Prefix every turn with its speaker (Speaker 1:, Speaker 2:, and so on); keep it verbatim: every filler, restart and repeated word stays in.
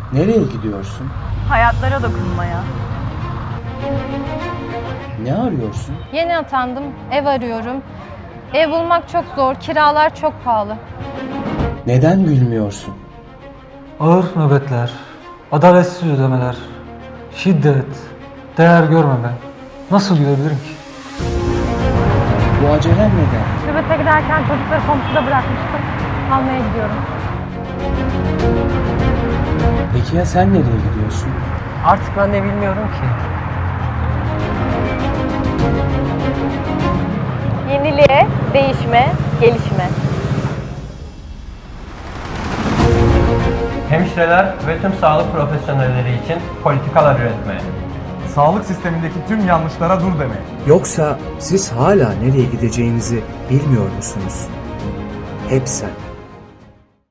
Speaker 1: Nereye gidiyorsun?
Speaker 2: Hayatlara dokunmaya.
Speaker 1: Ne arıyorsun?
Speaker 3: Yeni atandım, ev arıyorum. Ev bulmak çok zor, kiralar çok pahalı.
Speaker 1: Neden gülmüyorsun?
Speaker 4: Ağır nöbetler, adaletsiz ödemeler, şiddet, değer görmeme. Nasıl gülebilirim ki?
Speaker 1: Bu acelen neden?
Speaker 3: Nöbete giderken çocukları komşuda bırakmıştım. Almaya gidiyorum.
Speaker 1: Peki ya sen nereye gidiyorsun?
Speaker 5: Artık ben de bilmiyorum ki.
Speaker 2: Yeniliğe, değişme, gelişme.
Speaker 6: Hemşireler ve tüm sağlık profesyonelleri için politikalar üretmeye.
Speaker 7: Sağlık sistemindeki tüm yanlışlara dur demeye.
Speaker 8: Yoksa siz hala nereye gideceğinizi bilmiyor musunuz? Hep sen.